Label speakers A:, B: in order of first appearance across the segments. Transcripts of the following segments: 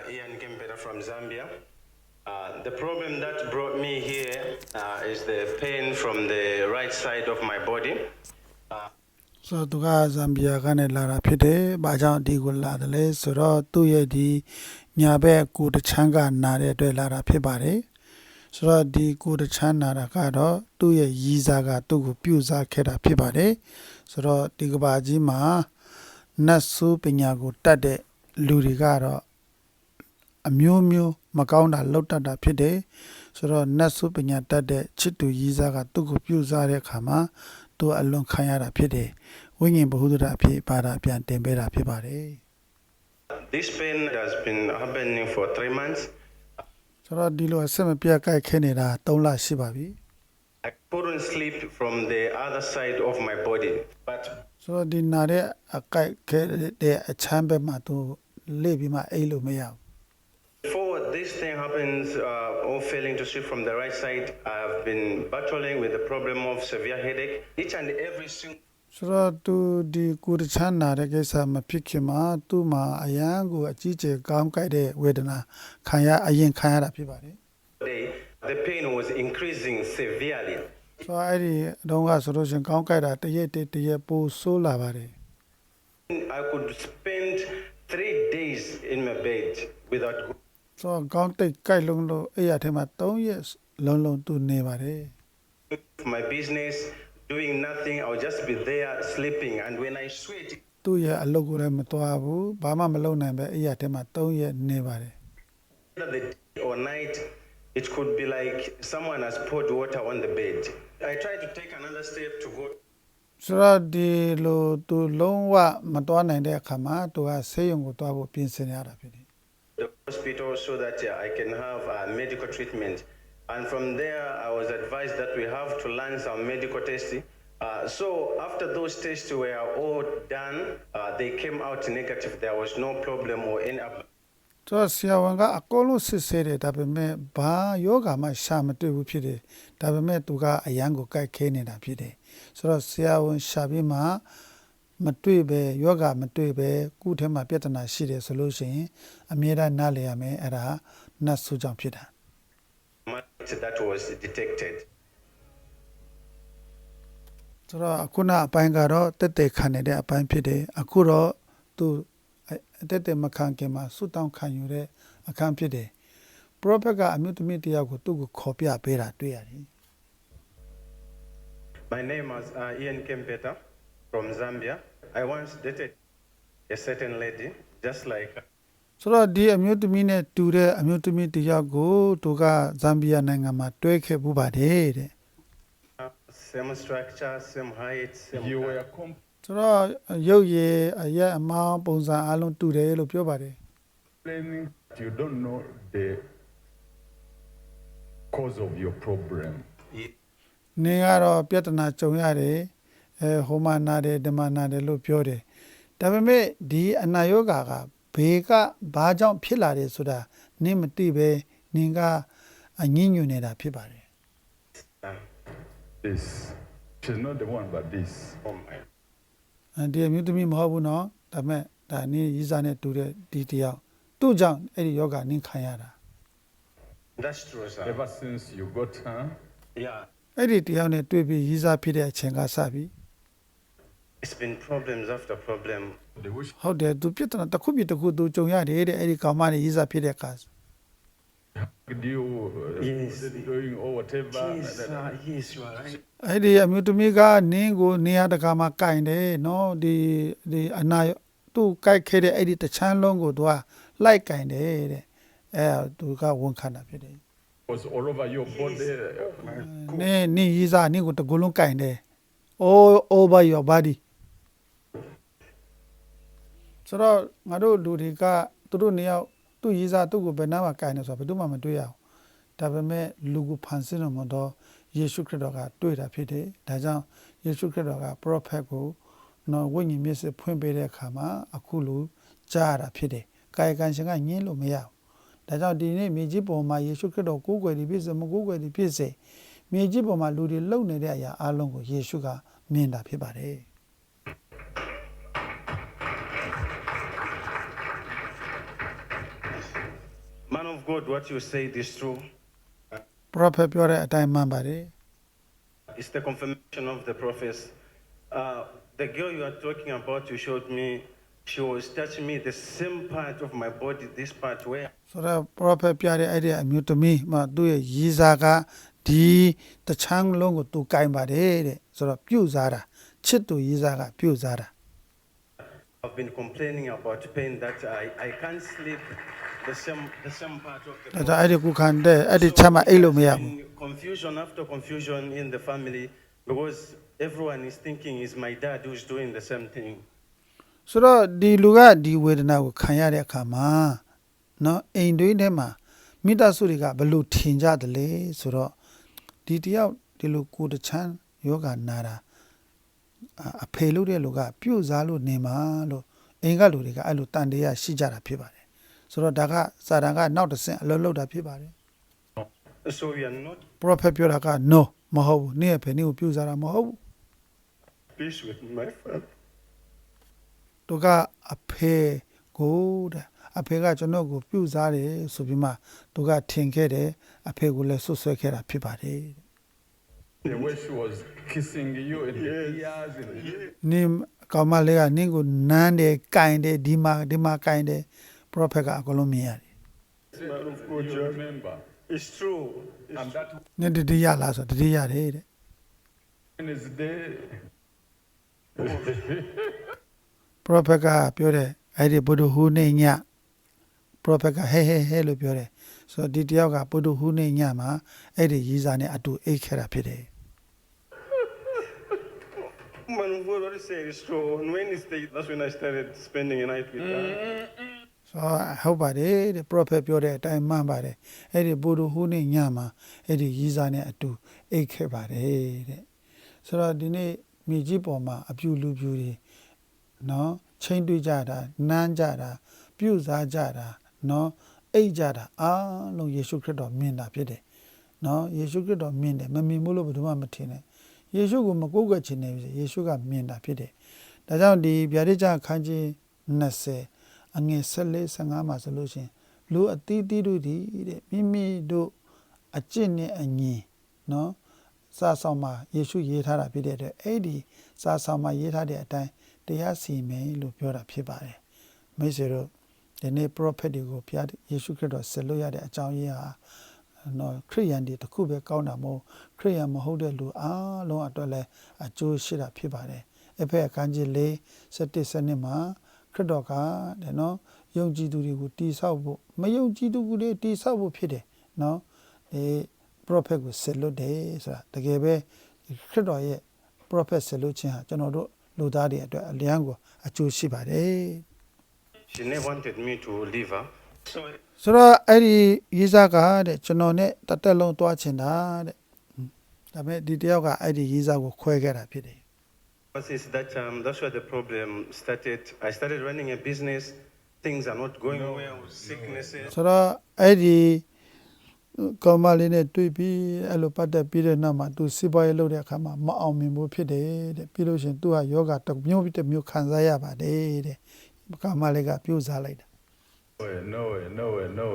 A: Ian Kempeta from Zambia. The problem that brought me here is the pain from the right side of my body.
B: So tu ka Zambia ka ne la ra phit de ba jaung di ko la de le so ro tu ye di nya bek ko ta chan ka na de atwet la ra phitပါတယ်ဆိုတော့ဒီကိုတချမ်းနာတာကတော့သူ့ရဲ့ရည်စားကသူ့ကိုပြုစားခဲ့တာဖြစ်ပါတယ်ဆိုတော့ဒီကဘာကြီးမှာနတ်ဆိုးပညာကိုတတ်တဲ့လူတွေကတော့အမျိုးမျိုးမကောင်းတာလောက်တတ်တာဖြစ်တယ်ဆိုတော့နတ်ဆိုးပညာတတ်တဲ့ချစ်သူရည်စားကသူ့ကိုပြုစားတဲ့အခါမှာသူအလွန်ခံရတာဖြစ်တယ်ဝိညာဉ်ဘ ഹു ဒရအဖြစ်ပါတာပြန်တင်ပေးတာဖြစ်ပါတယ်
A: This pain has been happening for 3 months.
B: ဆိုတော့ဒီလိုအဆက်မပြတ်ကြိုက်ခဲနေတာ3လရှိပါပြီ
A: I couldn't sleep from the other side of my body. But
B: ဆိုတော့ဒီနာတဲ့အကြိုက်ခဲတဲ့အချမ်းဘက်မှာသူလေ့ပြီးမှအိတ်လို့မရဘူး
A: before this thing happens, or failing to sleep from the right side, I have been battling with the problem of severe headache. Each and every single
B: ဆိုတော့သူဒီကိုယ်တချမ်းနာတဲ့ကိစ္စမဖြစ်ခင်မှာသူ့မှာအယံကိုအကြီးကျယ်ကောင်းကြိုက်တဲ့ဝေဒနာခံရတာဖြစ်ပါတယ်
A: day, the pain was increasing severely.
B: ဆိုတော့အဲ့ဒီအတော့ကဆိုလို့ရှရင်ကောင်းကြိုက်တာတရက်ပိုဆိုးလာပါတယ်
A: I could spend 3 days in my bed without going
B: ဆိုတော့ကောင်းတိတ်ကြိုက်လုံးလို့အဲ့ရထဲမှာ3ရက်လုံးသူနေပါတယ်
A: to my business, doing nothing. I would just be there sleeping. And when I sweat,
B: သူ့ရဲ့အလုပ်ကိုလည်းမသွားဘူးဘာမှမလုပ်နိုင်ပဲအဲ့ရထဲမှာ3ရက်နေပါတယ်
A: either the day or night, it could be like someone has poured water on the bed. I tried to take another step to go
B: ဆိုတော့ဒီလိုသူလုံးဝမသွားနိုင်တဲ့အခါမှာသူကဆေးရုံကိုသွားဖို့ပြင်ဆင်ရတာဖြစ်တယ်
A: to the hospital so that I can have medical treatment. And from there, I was advised that we have to learn some medical testing. So after those tests were all done, they came out negative. There was no problem or any.
B: ဆိုတော့ဆရာဝန်ကအကုန်လုံးစစ်ဆေးတယ်ဒါပေမဲ့ဘာယောဂမှရှာမတွေ့ဘူးဖြစ်တယ်ဒါပေမဲ့သူကအယံကိုကြိုက်ခဲနေတာဖြစ်တယ်ဆိုတော့ဆရာဝန်ရှာပြီးမှမတွေ့ပဲယောဂမတွေ့ပဲကုထဲမှာပြဿနာရှိတယ်ဆိုလို့ရှိရင်အမြဲတမ်းနားလည်ရမယ်အဲ့ဒါနတ်ဆိုးကြောင့်ဖြစ်တာ
A: That was detected.
B: ဆိုတော့အခုနအပိုင်းကတော့တက်တက်ခံနေတဲ့အပိုင်းဖြစ်တယ်အခုတော့သူတက်တက်မခံခင်မှာဆုတောင်းခံယူတဲ့အခန်းဖြစ်တယ် prophet ကအမျိုးသမီးတယောက်ကိုသူ့ကိုခေါ်ပြပေးတာတွေ့ရတယ်
A: My name is Ian Kempeta from Zambia. I once dated a certain lady, just like
B: ဆိုတော့ဒီအမျိုးသမီးနဲ့တူတဲ့အမျိုးသမီးတယောက်ကိုသူကဇမ်ဘီယာနိုင်ငံမှာတွဲခဲ့ပူပါတယ်တဲ့
A: same structure, same height, same.
C: You
A: color.
C: were
B: ဆိုတော့ရုပ်ရည်အရက်အမောင်းပုံစံအလုံးတူတယ်လို့ပြောပါတယ်
C: complaining that you don't know the cause of your problem.
B: နင်ကတော့ပြဿနာကြုံရတယ်ဟိုမှာနာတယ်ဒီမှာနာတယ်လို့ပြောတယ်ဒါပေမဲ့ဒီအနာယောဂါကဘေကဘာကြောင့်ဖြစ်လာတယ်ဆိုတာနင်မသိပဲနင်ကအငြင်းညွန်နေတာဖြစ်ပါတယ်
C: This. She's not the one, but this.
A: Oh my.
B: ဒီအမျိုးသမီးမဟုတ်ဘူးနော်ဒါပေမဲ့ဒါနင်ရီးစားနဲ့တူတဲ့ဒီတယောက်သူ့ကြောင့်အဲ့ဒီယောဂနင်ခံရတာ
A: That's true, sir.
C: Ever since you got her,
A: Yeah,
B: အဲ့ဒီတယောက်နဲ့တွေ့ပြီးရီးစားဖြစ်တဲ့အချိန်ကစပြီး
A: it's been problems after problem.
C: they wish
B: ဟုတ်တယ်သူပြဿနာတစ်ခုပြီးတစ်ခုသူကြုံရတယ်တဲ့အဲ့ဒီကောင်မနဲ့ရီးစားဖြစ်တဲ့အခါ
C: you
A: Yes.
C: doing or whatever.
A: Yes, you are right.
B: အဲ့ဒီအမျိုးသမီးကနင်းကိုနေရာတကာမှာကင်တယ်နော်ဒီအနာသူ့ကြိုက်ခဲ့တဲ့အဲ့ဒီတချမ်းလုံးကိုသူကလိုက်ကင်တယ်တဲ့အဲသူကဝန်ခံတာဖြစ်တယ်
C: Was all over your body.
B: နင်းရီးစားနင်းကိုတကူလုံးကင်တယ် all over your body ဆိုတော့ငါတို့လူတွေကသူတို့နေရာသူ့ရီးစားသူ့ကိုဘယ်နှမှာကင်တယ်ဆိုတော့ဘယ်သူမှမတွေ့ရအောင်ဒါပေမဲ့လူကိုဖန်ဆင်းတော်မူသောယေရှုခရစ်တော်ကတွေ့တာဖြစ်တယ်ဒါကြောင့်ယေရှုခရစ်တော်က prophet ကိုနော်ဝိညာဉ်မျက်စိဖွင့်ပေးတဲ့အခါမှာအခုလူကြားရတာဖြစ်တယ်ကာယကံရှင်ကညင်းလို့မရဘူးဒါကြောင့်ဒီနေ့မြေကြီးပေါ်မှာယေရှုခရစ်တော်ကိုးကွယ်ပြီးဖြစ်စေမကိုးကွယ်ပြီးဖြစ်စေမြေကြီးပေါ်မှာလူတွေလုံနေတဲ့အရာအလုံးကိုယေရှုကမြင်တာဖြစ်ပါတယ်
A: I Man of God, what you said is true.
B: prophet ပြောတဲ့အတိုင်းမှန်ပါတယ်
A: It's the confirmation of the prophets. The girl you are talking about, you showed me, she was touching me the same part of my body, this part where
B: ဆိုတော့ prophet ပြတဲ့အဲ့ဒီအမျိုးသမီးမှသူ့ရဲ့ရည်စားကဒီတချမ်းလုံးကိုသူကင်ပါတယ်တဲ့ဆိုတော့ပြုတ်စားတာချစ်သူရည်စားကပြုတ်စားတာ
A: I've been complaining about pain that I can't sleep the same part of the
B: ဒါ
A: body.
B: ကြောင့်အဲ့ဒီကုခံတဲ့အဲ့ဒီချက်မှအိတ်လို့မရဘူး
A: Confusion after confusion in the family because everyone is thinking it's my dad who's doing the same thing.
B: ဆိုတော့ဒီလူကဒီဝေဒနာကိုခံရတဲ့အခါမှာเนาะအိမ်တွင်းထဲမှာမိသားစုတွေကဘယ်လိုထင်ကြတယ်လဲဆိုတော့ဒီတယောက်ဒီလိုကိုယ်တချမ်းယောဂနာတာအဖေလို့တဲ့လူကပြုတ်စားလို့နေမှာလို့အိမ်ကလူတွေကအဲ့လိုတန်တရားရှိကြတာဖြစ်ပါတယ်ဆိုတော့ဒါကစာတန်ကနောက်တစ်ဆင့်အလုပ်လုပ်တာဖြစ်ပါတယ်
A: So we are not
B: prophet ပြောတာက no မဟုတ်ဘူးနေ့အဖေနေ့ကိုပြုတ်စားတာမဟုတ်ဘူး
A: peace with my father.
B: သူကအဖေကိုတဲ့အဖေကကျွန်တော်ကိုပြုတ်စားတယ်ဆိုပြီးမှသူကထင်ခဲ့တယ်အဖေကိုလည်းဆွဆွဲခဲ့တာဖြစ်ပါတယ်
C: The way she was kissing you in the ears. And
B: နင်းကောင်မလေးကနင်းကိုနမ်းတယ်ကင်တယ်ဒီမှာကင်တယ် prophet ကအကုန်လုံးမြင်ရတယ်
A: Man of God,
C: you
A: John.
C: remember.
A: It's true.
C: And that
B: နင်းတတိယလားဆိုတတိယတယ်တဲ့
C: Wednesday,
B: prophet ကပြောတယ်အဲ့ဒီဘုဒ္ဓဟူးနေည prophet ကဟဲလို့ပြောတယ်ဆိုတော့ဒီတယောက်ကဘုဒ္ဓဟူးနေညမှာအဲ့ဒီရီးစားနဲ့အတူအိတ်ခဲ့တာဖြစ်တယ်
A: Man of God, what you say is true. On Wednesday, that's when I started spending a night with her.
B: ဆိုဟုတ်ပါတယ်တဲ့ prophet ပြောတဲ့အတိုင်းမှန်ပါတယ်အဲ့ဒီဘုဒ္ဓဟူးနေညမှာအဲ့ဒီရီးစားနဲ့အတူအိတ်ခဲ့ပါတယ်တဲ့ဆိုတော့ဒီနေ့မြေကြီးပေါ်မှာအပြူလူပြူတွေနော်ချင်းတွေးကြတာနမ်းကြတာပြုတ်စားကြတာနော်အိတ်ကြတာအားလုံးယေရှုခရစ်တော်မြင်တာဖြစ်တယ်နော်ယေရှုခရစ်တော်မြင်တယ်မမြင်ဘူးလို့ဘယ်သူမှမထင်နဲ့ယေရှုကိုမကိုးကွယ်ချင်နေပြီယေရှုကမြင်တာဖြစ်တယ်ဒါကြောင့်ဒီဗျာဒိတ်ကျခန်းကြီး20အငယ်14 15မှာဆိုလို့ရှိရင်လူအသီးသီးတို့ဒီတဲ့မိမိတို့အကျင့်နဲ့အညီနော်စာဆောင်မှာယေရှုရေးထားတာဖြစ်တဲ့အတွက်အဲ့ဒီစာဆောင်မှာရေးထားတဲ့အတိုင်းတရားစီရင်လို့ပြောတာဖြစ်ပါတယ်မိတ်ဆွေတို့ဒီနေ့ prophet တွေကိုဘုရားယေရှုခရစ်တော်ဆက်လို့ရတဲ့အကြောင်းရင်းဟာနော်ခရိယန်တွေတခုပဲကောင်းတာမဟုတ်ခရိယန်မဟုတ်တဲ့လူအားလုံးအတွက်လည်းအကျိုးရှိတာဖြစ်ပါတယ်အဖေအခန်းကြီး4 17 12မှာခရစ်တော်ကတဲ့နော်ယုံကြည်သူတွေကိုတိဆောက်ဖို့မယုံကြည်သူတွေတိဆောက်ဖို့ဖြစ်တယ်နော်ဒီ prophet ကိုဆက်လို့တယ်ဆိုတာတကယ်ပဲခရစ်တော်ရဲ့ prophet ဆက်လို့ခြင်းဟာကျွန်တော်တို့လူသားတွေအတွက်အလျံကိုအကျိုးရှိပါတယ်
A: She never wanted me to leave her. So
B: ဆိုတော့အဲ့ဒီရေးစားကတဲ့ကျွန်တော်နဲ့တသက်လုံးတွားချင်တာတဲ့ဒါပေမဲ့ဒီတယောက်ကအဲ့ဒီရေးစားကိုခွဲခဲ့တာဖြစ်တယ်
A: since that time, that's where the problem started. I started running a business. Things are not going well. Sicknesses.
B: ဆိုတော့အဲ့ဒီကောင်မလေးနဲ့တွေ့ပြီးအဲ့လိုပတ်သက်ပြီးတဲ့နောက်မှာသူစီးပွားရေးလုပ်တဲ့အခါမှာမအောင်မြင်ဘူးဖြစ်တယ်တဲ့ပြီးလို့ရှိရင်သူကယောဂတစ်မျိုးတစ်မျိုးခံစားရပါတယ်တဲ့ကောင်မလေးကပြုတ်စားလိုက်တာ
C: no way.
B: no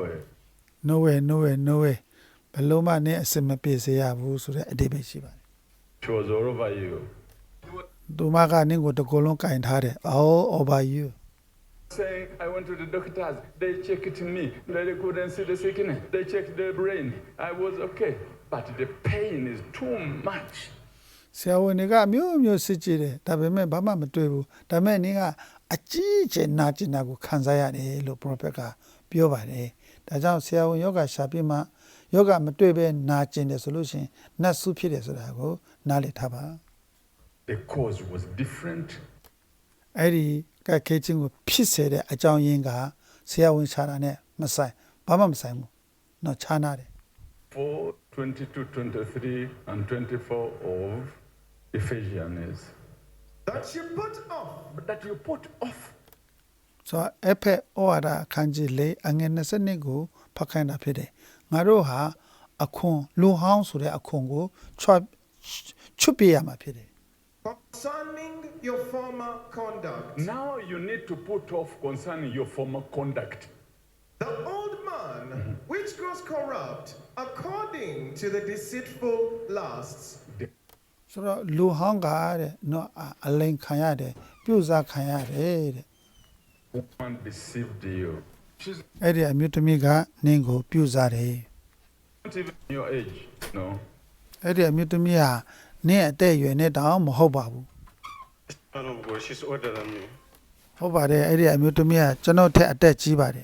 B: way ဘယ်လုံးမနဲ့အစမပြေစေရဘူးဆိုတဲ့အတိတ်ပဲရှိပါတယ်
C: She was all over you.
B: သူမကနင်းကိုတကူလုံးကင်ထားတယ် all over you
C: Saying, I went to the doctors. They checked me. They couldn't see the sickness. They checked the brain. I was okay. But the pain is too much.
B: ဆရာဝန်တွေကမျိုးစစ်ကြည့်တယ်ဒါပေမဲ့ဘာမှမတွေ့ဘူးဒါပေမဲ့နင်းကအကြီးကျယ်နာကျင်တာကိုခံစားရတယ်လို့ prophet ကပြောပါတယ်ဒါကြောင့်ဆရာဝန်ယောဂရှာပြီးမှယောဂမတွေ့ပဲနာကျင်တယ်ဆိုလို့ရှိရင်နတ်ဆုဖြစ်တယ်ဆိုတာကိုနားလည်ထားပါ
C: The cause was different.
B: အဲ့ဒီကဲခေချင်းကိုဖြစ်စေတဲ့အကြောင်းရင်းကဆရာဝန်ရှာတာနဲ့မဆိုင်ဘာမှမဆိုင်ဘူးเนาะခြားနာတယ်
C: 4, 22, 23, and 24 of Ephesians.
D: That you put off
C: But that you put off.
B: ဆိုတော့အဖက်ဩဝါဒအခန်းကြီး၄အငယ်20ကိုဖတ်ခိုင်းတာဖြစ်တယ်ငါတို့ဟာအခွန်လူဟောင်းဆိုတဲ့အခွန်ကိုချွတ်ပြရမှာဖြစ်တယ်
D: concerning your former conduct.
C: Now you need to put off concerning your former conduct.
D: The old man which grows corrupt according to the deceitful lusts.
B: ဆိုတော့လူဟောင်းကတဲ့နော်အလိန်ခံရတယ်ပြုစားခံရတယ်တဲ့
C: Woman deceived you. She's
B: အဲ့ဒီအမျိုးသမီးကနင်းကိုပြုစားတယ်
C: not even your age. No.
B: အဲ့ဒီအမျိုးသမီးဟာနင်းအသက်အရွယ်နဲ့တောင်မဟုတ်ပါဘူး
A: Man of God, she's older than me.
B: ဟုတ်ပါတယ်အဲ့ဒီအမျိုးသမီးကကျွန်တော်ထက်အသက်ကြီးပါတယ်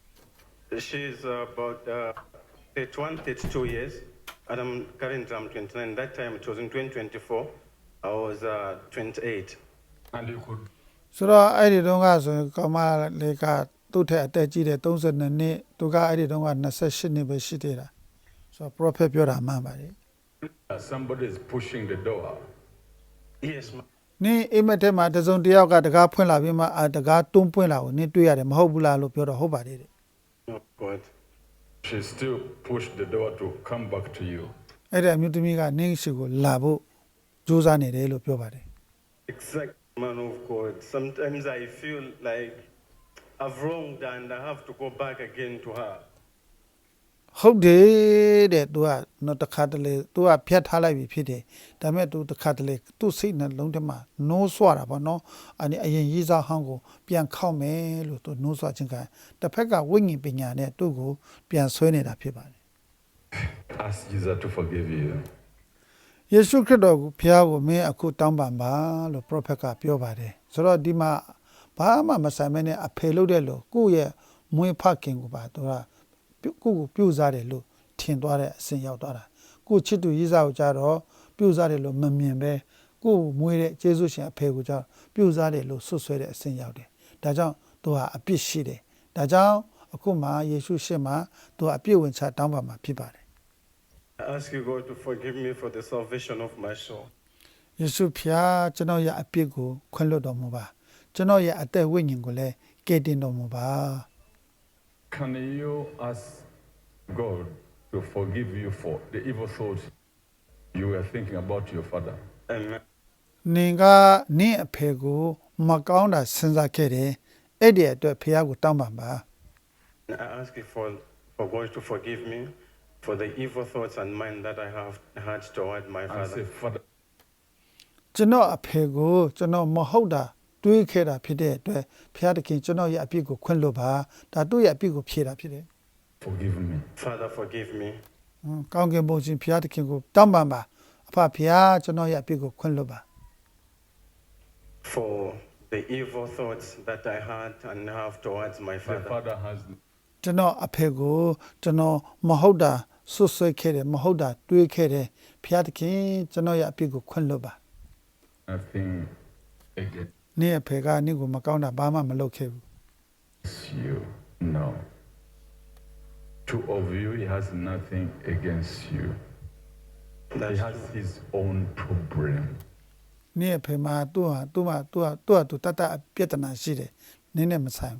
A: She's about 31, 32 years. And currently I'm 29. That time it was in 2024. I was 28.
C: And you could
B: ဆိုတော့အဲ့ဒီတုန်းကဆိုရင်ကမလေးကသူ့ထက်အသက်ကြီးတယ်32နှစ်သူကအဲ့ဒီတုန်းက28နှစ်ပဲရှိသေးတာဆိုတော့ prophet ပြောတာမှန်ပါတယ်
C: somebody is pushing the door.
A: Yes, ma'am.
B: နင်းအိမ်မက်ထဲမှာတစုံတစ်ယောက်ကတကားဖွင့်လာပြီးမှတကားတွန်းပွင့်လာကိုနင်းတွေ့ရတယ်မဟုတ်ဘူးလားလို့ပြောတော့ဟုတ်ပါတယ်တဲ့
A: Oh, God.
C: She still pushed the door to come back to you.
B: အဲ့ဒီအမျိုးသမီးကနင်းရှိကိုလာဖို့ကြိုးစားနေတယ်လို့ပြောပါတယ်
A: Exact man of God. Sometimes I feel like I've wronged and I have to go back again to her.
B: ဟုတ်တယ်တဲ့ तू ကနော်တခါတလေ तू ကဖြတ်ထားလိုက်ပြီဖြစ်တယ်ဒါပေမဲ့ तू တခါတလေ तू စိတ်နှလုံးထဲမှာနိုးဆွတာပေါ့နော်အရင်ရေးစားဟောင်းကိုပြန်ခောက်မယ်လို့ तू နိုးဆွခြင်းကတစ်ဖက်ကဝိညာဉ်ပညာနဲ့သူ့ကိုပြန်ဆွဲနေတာဖြစ်ပါတယ်
C: Ask Jesus to forgive you.
B: ယေရှုခရစ်တော်ကိုဖျားကိုမင်းအခုတောင်းပန်ပါလို့ prophet ကပြောပါတယ်ဆိုတော့ဒီမှာဘာမှမဆိုင်မဲနဲ့အဖေလို့တဲ့လို့ကိုယ့်ရဲ့မွေးဖခင်ကိုပါ तू ကကိုယ့်ကိုပြုစားတယ်လို့ထင်သွားတဲ့အစဉ်ရောက်သွားတာကိုချစ်သူရေးစားကိုကြတော့ပြုစားတယ်လို့မမြင်ပဲကိုမွေးတဲ့ယေရှုရှင်အဖေကိုကြပြုစားတယ်လို့ဆွဆွဲတဲ့အစဉ်ရောက်တယ်ဒါကြောင့်သူဟာအပြစ်ရှိတယ်ဒါကြောင့်အခုမှယေရှုရှင်မှာသူအပြစ်ဝင်ချတောင်းပန်မှာဖြစ်ပါတယ်
A: I ask you, God, to forgive me for the salvation of my soul.
B: ယေရှုဖျားကျွန်တော်ရဲ့အပြစ်ကိုခွင့်လွှတ်တော်မူပါကျွန်တော်ရဲ့အသက်ဝိညာဉ်ကိုလည်းကယ်တင်တော်မူပါ
C: Can you ask God to forgive you for the evil thoughts you were thinking about your father?
A: Amen.
B: နင်ကနင့်အဖေကိုမကောင်းတာစဉ်းစားခဲ့တယ်အဲ့ဒီအတွက်ဖျားကိုတောင်းပန်ပါ
A: I ask you for God to forgive me for the evil thoughts and mind that I have had toward my
C: And
A: father.
C: say, Father,
B: ကျွန်တော်အဖေကိုကျွန်တော်မဟုတ်တာတွေးခဲ့တာဖြစ်တဲ့အတွက်ဖျားတခင်ကျွန်တော်ရဲ့အပြစ်ကိုခွင့်လွှတ်ပါဒါသူ့ရဲ့အပြစ်ကိုဖြေတာဖြစ်တယ်
C: forgive me.
A: Father, forgive me
B: ကောင်းကင်ဘုံရှင်ဖျားတခင်ကိုတောင်းပန်ပါအဖဖျားကျွန်တော်ရဲ့အပြစ်ကိုခွင့်လွှတ်ပါ
A: for the evil thoughts that I had and have towards my
C: The
A: father.
C: father has
B: ကျွန်တော်အဖေကိုကျွန်တော်မဟုတ်တာဆွဆွဲခဲ့တယ်မဟုတ်တာတွေးခဲ့တယ်ဖျားတခင်ကျွန်တော်ရဲ့အပြစ်ကိုခွင့်လွှတ်ပါ
C: nothing against
B: နင့်အဖေကနင့်ကိုမကောင်းတာဘာမှမလုပ်ခဲ့ဘူး
C: you. No. Two of you, he has nothing against you. He
A: That's
C: has
A: true.
C: his own problem.
B: နင့်အဖေမှာသူ့တတ်အပြဿနာရှိတယ်နင်းနဲ့မဆိုင်ဘူး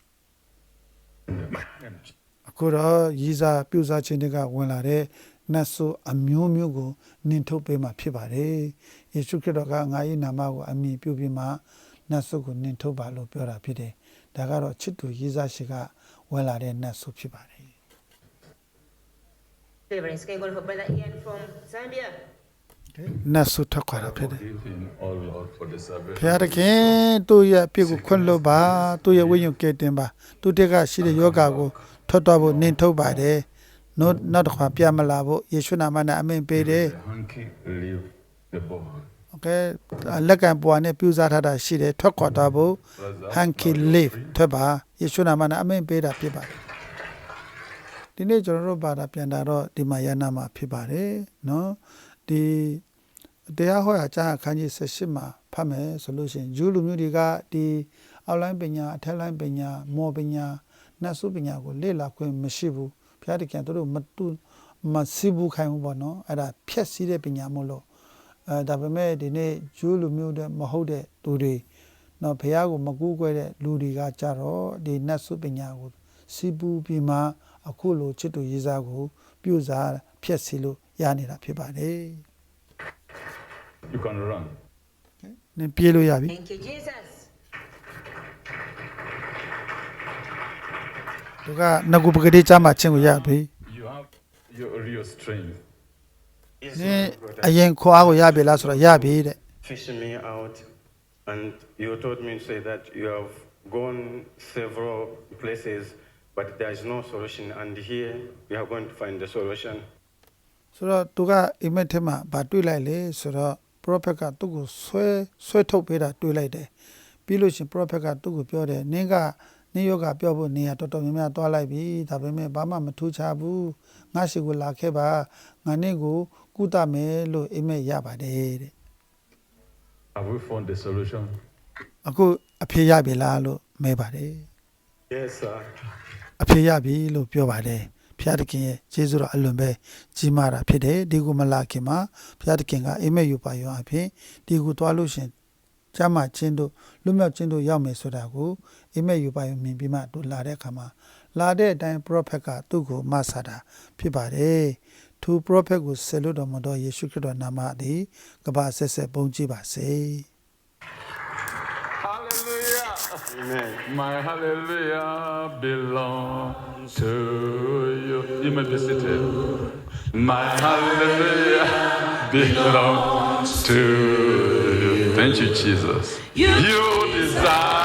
B: အခုတော့ရည်စားပြုစားခြင်းတွေကဝင်လာတဲ့နတ်ဆိုးအမျိုးမျိုးကိုနင်ထုတ်ပေးမှာဖြစ်ပါတယ်ယေရှုခရစ်တော်ကငါ၏နာမကိုအမည်ပြုပြီးမှနတ်ဆိုးကိုနင်ထုတ်ပါလို့ပြောတာဖြစ်တယ်ဒါကတော့ချစ်သူရည်စားရှိကဝင်လာတဲ့နတ်ဆိုးဖြစ်ပါတယ်
E: Deliverance. Can you go for Brother Ian from Zambia?
B: နတ်ဆိုးထွက်ခွာတာဖြစ်တယ်
C: Forgive him, oh Lord, for the
B: ဖ
C: salvation.
B: ခင်တခင်သူ့ရဲ့အပြစ်ကိုခွင့်လွှတ်ပါသူ့ရဲ့ဝိညာဉ်ကယ်တင်ပါသူတက်ကရှိတဲ့ယောဂါကိုထွက်သွားဖို့နင်ထုတ်ပါတယ်နောက်တစ်ခါပြမလာဖို့ယေရှုနာမနဲ့အမိန့်ပေးတယ်
C: The hanky, leave the ball.
B: โอเคလက်ကံပွားနဲ့ပြုစားထားတာရှိတယ်ထွက်ခွာသွားဖို့ hanky leave ထွက်ပါယေရှုနာမနဲ့အမိန့်ပေးတာဖြစ်ပါတယ်ဒီနေ့ကျွန်တော်တို့ဘာသာပြန်တာတော့ဒီမှာယန္နာမှာဖြစ်ပါတယ်เนาะဒီတရားဟောရာကျမ်းအခန်းကြီး18မှာဖတ်မယ်ဆိုလို့ရှိရင်ဂျူးလူမျိုးတွေကဒီအောက်လိုင်းပညာအထက်လိုင်းပညာမော်ပညာနတ်စုပညာကိုလေ့လာခွင့်မရှိဘူးဘုရားတခင်တို့မစီဘူးခိုင်းဘူးပေါ့နော်အဲ့ဒါဖြက်စီးတဲ့ပညာမို့လို့ဒါပေမဲ့ဒီနေ့ဂျူးလူမျိုးတွေမဟုတ်တဲ့သူတွေနော်ဘုရားကိုမကူးကွယ်တဲ့လူတွေကကြတော့ဒီနတ်စုပညာကိုစီဘူးပြီးမှအခုလိုချစ်သူရေးစားကိုပြုစားဖြက်စီလို့ရနေတာဖြစ်ပါတယ်
C: You can run.
B: နင်ပြေးလို့ရပြီ
E: Thank you, Jesus.
B: သူကငကူပကတိချမှာချင်းကိုရပြီ
C: your real strength.
A: Is
B: နင်
A: God
B: အရင်ခွားကိုရပြီလားဆိုတော့ရပြီတဲ့
A: fishing me out, and you told me to say that you have gone several places, but there is no solution, and here we are going to find the solution.
B: ဆိုတော့သူကအိမ်မက်ထဲမှာဗာတွေးလိုက်လေဆိုတော့ prophet ကသူ့ကိုဆွဲထုတ်ပေးတာတွေးလိုက်တယ်ပြီးလို့ရှင် prophet ကသူ့ကိုပြောတယ်နင်းယောဂပြောဖို့နေရတော်တော်များများသွားလိုက်ပြီဒါပေမဲ့ဘာမှမထူးခြားဘူးငါရှိကိုလာခဲ့ပါငါနင့်ကိုကုသမယ်လို့အိမ်မက်ရပါတယ်တဲ့
C: Have we found the solution?
B: အခုအဖြေရပြီလားလို့မဲပါတယ်
A: Yes, sir.
B: အဖြေရပြီလို့ပြောပါတယ်ဖျားတခင်ရဲ့ကျေးဇူးတော်အလွန်ပဲကြီးမားတာဖြစ်တယ်ဒီကိုမလာခင်မှာဖျားတခင်ကအိမ်မက်ယူပါရောအဖြစ်ဒီကိုသွားလို့ရှင်ကျမ်းမာခြင်းတို့လွတ်မြောက်ခြင်းတို့ရောက်မယ်ဆိုတာကိုအိမ်မက်ယူပါရောမြင်ပြီးမှတို့လာတဲ့အခါမှာလာတဲ့အတိုင်း prophet ကသူ့ကိုမဆာတာဖြစ်ပါတယ်သူ prophet ကိုဆက်လို့တော်မတော်ယေရှုခရစ်တော်နာမသည်ကဘာဆက်ဆက်ပုံကြည့်ပါစေ
C: Hallelujah.
A: Amen.
C: My hallelujah belongs to you. You may be seated. My hallelujah belongs to you. Thank you, Jesus. You desire.